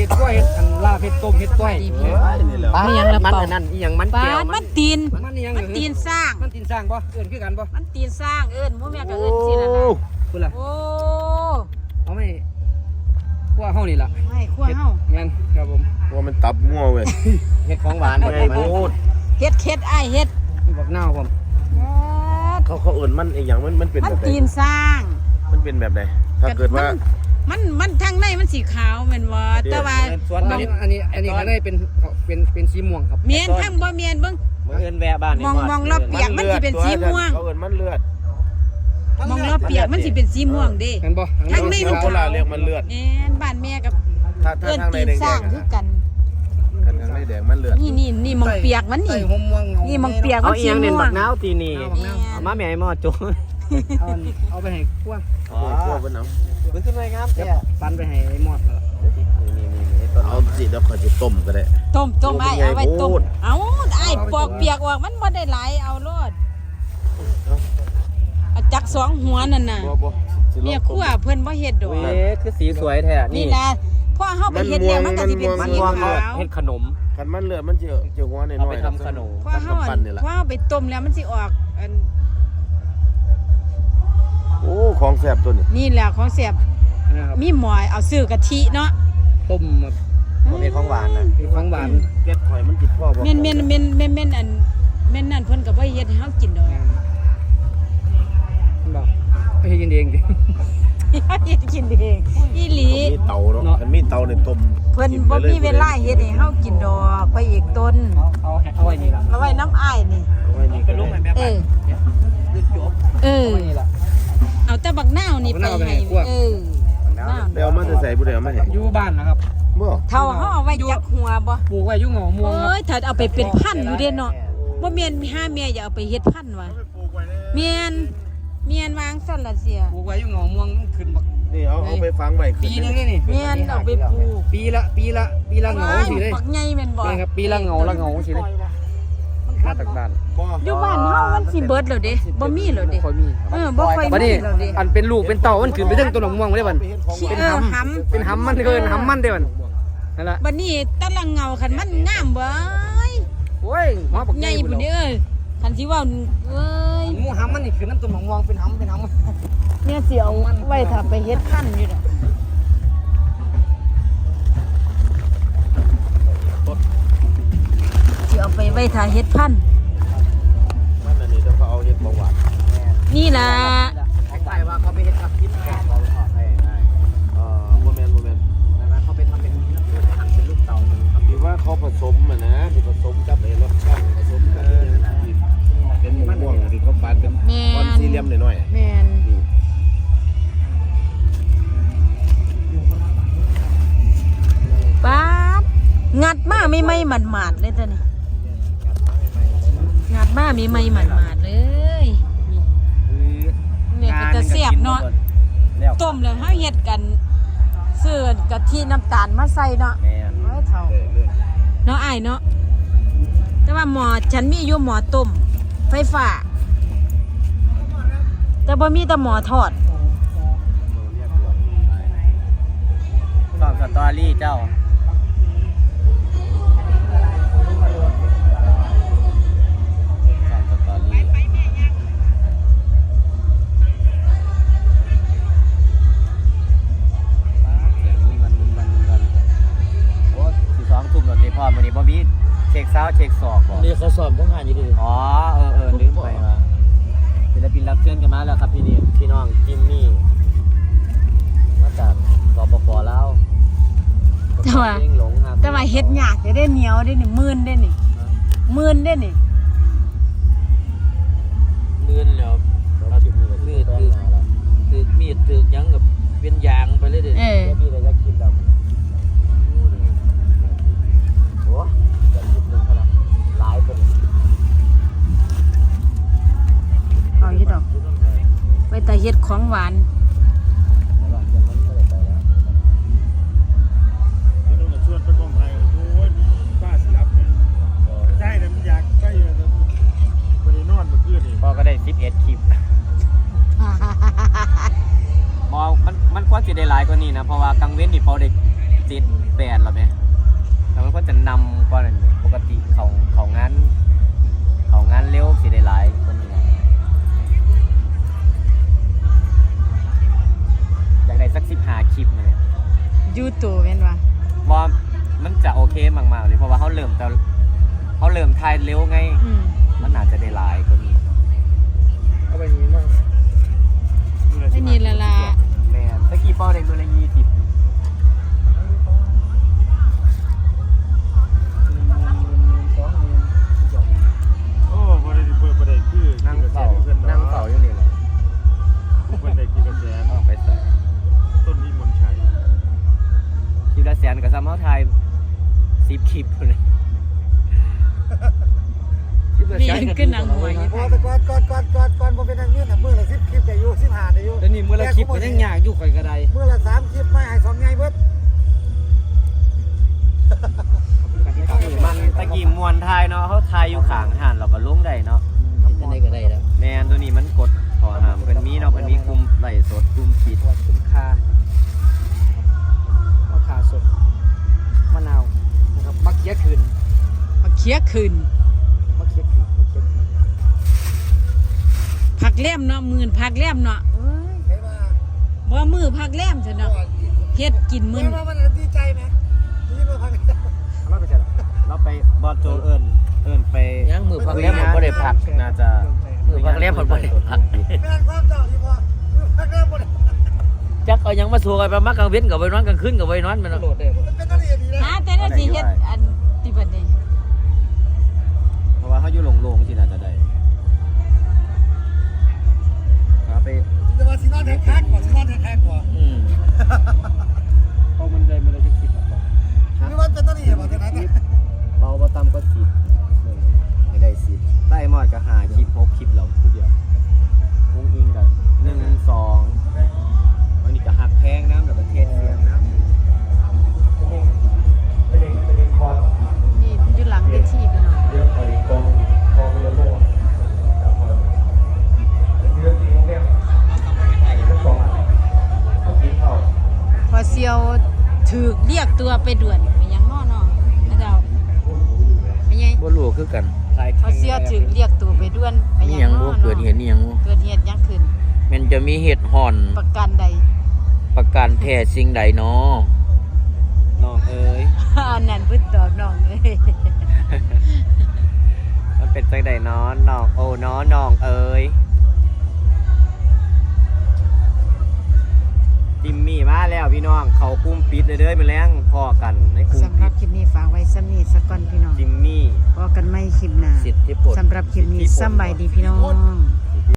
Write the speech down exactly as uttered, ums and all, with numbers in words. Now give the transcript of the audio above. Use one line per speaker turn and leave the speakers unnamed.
ห็ดกล้วยเห็ดอันลาเห็ดต้มเห็ดกล้วยปลาอย่างละเป่านั่นอีหยังมันแก้วมันตีนมันอีหยังมันตีนสร้างมันตีนสร้างป่ะเอิ้นคือกันป่ะมันตีนสร้างเอิ้นหมู่แม่ก็เอิ้นสิล่ะนะพุ่นล่ะโอ้เอาไม่ขั้วเฮานี่ล่ะไม่ขั้วเฮาแม่นครับผม
ว่ามันตับงัวเว้ย
เห็ดของหวานไงพูดเห็ดเห็ดอ้ายเห็ดบักนาวผม
เขาเขาเอิ้นมันอีหยังมันมันเป็นแบบไหน
มันตีนสร้าง
มันเป็นแบบไหนถ้าเกิดว่า
มันมันทางในมันสีขาวแม่นบ่แต่ว่า
ส่วนอันนี้อันนี้อันนี้ข้างในเป็นเป็นเป็นสีม่วงครับ
เมียนทางบ่เมียนเบิ่ง
เอิ้นแวะบ้าน
มองมองรอบเปียกมันสิเป็นสีม่วง
เขาเอิ้นมันเลือด
มองรอบเปียกมันสิเป็นสีม่วงเด้
เห็นบ่
ทางในมันขาว
เรียกมันเลือด
แม่นบ้านแม่กับ
เอิ้นตีนสร้าง
คือกัน
กันทางในแดงมันเลือด
นี่นี่นี่มองเปียกมันนี่นี่มองเปียกมันสีม่วง
เอาอีหยังเน้นบักนาวตีนี่มาแม่ให้หม้อโจเอาเอาไปให้คั่ว
อ๋อคั่วเพิ่นเอา
เพิ่นขึ้นไปงามแท้ปันไปให้หมดแล้ว
เอาสิเดี๋ยวขอสิต้มก็ได้
ต้มต้มไอ้เอาไว้ต้มเอาไอ้ปอกเปียกออกมันบ่ได้หลายเอาโลดเอาจักสองหัวนั่นน่ะเนี่ยคั่วเพิ่นบ่เฮ็ดดอก
เอ๊ะคือสีสวยแท้
นี่แหละพอเฮาไปเฮ็ดแล้วมันก็สิเป็นสีขาว
เฮ็ดขนม
คันมันเลือดมันจะจะหัวน้อยๆเอาไป
ทำขนม
พอเฮาพอเฮาไปต้มแล้วมันสิออกอัน
โอ้ของแซ่บตัวนี้
นี่แหละของแซ่บมีหมอยเอาซื้อกะทิเนาะ
ต้มแบบเฮ็ดของหวานน่ะเฮ็ดของหวาน
เก็ดข่อยมันติดพ่อบ่
แม่นๆๆๆๆอันแม่นนั่นเพิ่นก็บ่เฮ็ดให้เฮากินดอก
บ่ไปเฮ็ดกินเองดิ
เฮ็ดกินเองอีหลี
มีเตาเนาะมันมีเตาในต้ม
เพิ่นบ่มีเวลาเฮ็ดให้เฮากินดอกไปอีกต้น
เอาเอาไว้นี่ล่ะ
เอาไว้น้ำอ้ายนี่
เอาไว้นี่
เป็นลูกแม่แม่บ้าน
จบเออเอาแต่บักนาวนี่ไปให้เออ
เดี๋ยวมาจะใส่ผู้ใดเอามาให้
อยู่บ้านนะครับ
บ่
เท่าเฮาเอาไว้จักหัวบ่
ปลูกไว้อยู่หงอม่วงครับ
เอ้ยถ้าเอาไปเป็นพันธุ์อยู่เด้เนาะบ่แม่นห้าแม่อย่าเอาไปเฮ็ดพันธุ์ว่ะแม่นแม่นวางซั่นล่ะเสีย
ปลูกไว้อยู่หงอม่วงขึ้นบัก
นี่เอาเอาไปฝังไว้
ปีนึงนี่นี่
แม่นเอาไปปลูก
ปีละปีละปีละเหงาสิเด้
บักใหญ่แม่นบ่
ครับปีละเหงาละเหงาสิเด้มาจากบ้าน
อยู่บ้านเฮามันสิเบิดแล้วเด้บ่มีแล้วเด้
บ่ค่อยมี
เออบ่ค่อยมีแล้วเด้
อันเป็นลูกเป็นเต่ามันขึ้นไปถึงต้นม่วงได้บัด
เป็นหำ
เป็นหำมันเกินหำมันเด้บัดนั่นล่ะ
บัดนี้ตะละเงาคันมันงามเบ้ย
โอ้ยหัวบัก
ใหญ่พุ่นเด้อคันสิว่าเอ้ย
หมูหำมันนี่คือน้ำต้นม่วงเป็นหำเป็นหำ
เนี่ยสิเอาไว้ถ้าไปเฮ็ดพันธุ์อยู่ดอกสิเอาไปไว้ถ้าเฮ็ดพันธุ์
มันอันนี้ต้องเขาเอาเฮ็ดบ่หวาน
นี่ล่ะ
ใช่ว่าเขาไปเฮ็ดกับกินแก่บ่ขอให้ได้
เอ่อบ่แม่นบ่แม่น
แต่ว่าเขาไปทำเป็นหั่นเป็นลูกเต๋ามันครับ
ที่ว่าเขาผสมอ่ะนะที่ผสมกับไอ้รสช่องผสมกับเป็นม่วงที่เขาปาดเป็นก้อนสี่เหลี่ยมหน่อย
ๆแม่นป๊าดงัดมาไม่ไม่หมาดๆเลยจ้ะนี่งัดมาไม่ไม่หมาดๆเลยเนี่ยก็จะเสียบเนาะต้มแล้วเฮาเฮ็ดกันซื้อกะทิน้ำตาลมาใส่เนาะ
แม่น
เอ้ยเฒ่าเนาะอ้ายเนาะแต่ว่าหม้อฉันมีอยู่หม้อต้มไฟฟ้าแต่บ่มีแต่หม้อทอด
ตอบสตอรี่เจ้าพ่อมื้อนี้บ่มีเช็คเช้าเช็คสอบบ่
นี่เขาสอบทั้งงานอยู่ดิ
อ๋อเออเออลืมไปว่าศิลปินรับเชิญกันมาแล้วครับพี่นี่พี่น้องจิมมี่มาจากสปป.ลาว
แต่ว่าแต่ว่าเฮ็ดยากได้เหนียวได้นี่มื่นได้นี่มื่นได้นี่
มื่นแล้วเราสิมือคือคือคือมีดตึกยังกับเป็นยางไปเลยเด้
เออ
พี่ได้อยากกินแล้ว
เอาอยู่ดอกไว้แต่เฮ็ดของหวาน
พอก็ได้สิบเอ็ดคลิปมอมันมันควรสิได้หลายกว่านี้นะเพราะว่ากลางเว้นนี่พอได้ติดไป
แปดหรอไหมแล้วมันก็จะนำก่อนนั่นปกติเขาเขางานเขางานเร็วสิได้หลายคนนี้อยากได้สักสิบห้าคลิปมาเนี่ย
ยูทูบแม่นว่า
บอมันจะโอเคมากๆเลยเพราะว่าเขาเริ่มแต่เขาเริ่มถ่ายเร็วไง
อืม
มันอาจจะได้หลายคนนี้
เอาไปนี้มั่ง
ไอ้นี่ละล่ะ
แม่นตะกี้เป้าได้มือละยี่สิบ
โอ้บ่ได้เปิดบ่ได้คือ
นั่งเฝ้านั่งเฝ้าอยู่นี่แหละ
เพิ่นได้กี่กระแส
ต้องไปใส่
ต้นนี้มนชัย
คลิปละแสนกับซ้ำเขาถ่ายสิบคลิปเลยคลิปละ
นี่
แสน
คือหนังหัว
พอแต่ก่อนก่อนก่อนก่อนก่อนผมเป็นนางเนี่ยน่ะมือละสิบคลิปแต่อยู่สิบห้าแต่อยู่
แล้วนี่มื้อละคลิปก็ยังยากอยู่ข่อยก็ได้
มือละสามคลิปไม่ให้สองไงเบิด
มันตะกี้มวนถ่ายเนาะเขาถ่ายอยู่ข้างหันเราก็ลงได้เนาะ
จะได้ก็ได้แล้ว
แมนตัวนี้มันกดขอหามเพิ่นมีเนาะเพิ่นมีกลุ่มไลฟ์สดกลุ่มปิด
ตัวคุ้มค่ามะขาสดมะนาวนะครับมะเขือคืน
มาเคียคืน
มะเขือคืนมะเขือคืน
ผักแล้มเนาะมื่นผักแล้มเนาะเอ้ย
ใช่ว่า
บ่มือผักแล้มซะเนาะเฮ็ดกินมื้อ
เห็นว่ามันดีใจไหมที่มาพัง
เราไปใช่หรอ
เราไปบอสโจเอิ้นเอิ้นไป
ยังมือพักแล้วมันบ่ได้พัก
น่าจะ
มือพักแล้วมันบ่ได้พัก
แม่นความเจ้าที่พอมือพักแล้วหมด
จักเอายังมาสู่กันไปมักกลางเว้นกับไว้นอนกลางคืนกับไว้นอนแม่นโหลดได้บ่
มันเป็นอะไรดีนะ
หาแต่ละสิเฮ็ดอันที่บัดนี้
เพราะว่าเขาอยู่โล่งๆสิน่าจะได้เอาไป
แต่ว่าซีนอนแท็กแท็กกว่าซีนอนแท็กแท็กกว่า
อืมเอามันได้มันได้จะคิดหรอก
หรือว่าเป็นอะไรอย่างแบบนั้น
เบาบ่ต่ำก็สิบไม่ได้สิบได้หมดก็หาคลิปหกคลิปเราผู้เดียววงอิงกับหนึ่งสองวันนี้ก็หักแพงน้ำแล้วก็เทศเสียงน้ำ
นี่อยู่หลังเวทีพี่น้องพอเซียวถูกเรียกตัวไปด่วนไปยังน้อเนาะนะเจ้าไปยัง
บ่รู้คือกัน
พอเซียวถูกเรียกตัวไปด่วนไป
มีห
ยั
ยัง ง
น้
บ่
อ
เกิดเหตุนี่หยังบ่
เกิดเหตุหยังขึ้น
มันจะมีเหตุห่อน
ประกันใด
ประการแท้สิ่งใดเนาะ
น้องเอ๋ย
อันนั้นเพิ่นตอบน้องเลย
มันเป็นจังใดน้อนน้องโอ้น้อน้องเอ๋ยจิมมี่มาแล้วพี่น้องเขากลุ้มปิดเลยเด้อมาแล้งพอกันในกลุ้ม
สำห
ปิ
รับ
ด
คลิปนี้ฝากไว้ซ้ำนี้สักก่อนพี่น้อง
จิมมี่
พอกันไม่คลิปหน้า
สิทธิผล
สำหรับคลิปนี้สำบายดีพี่น้อง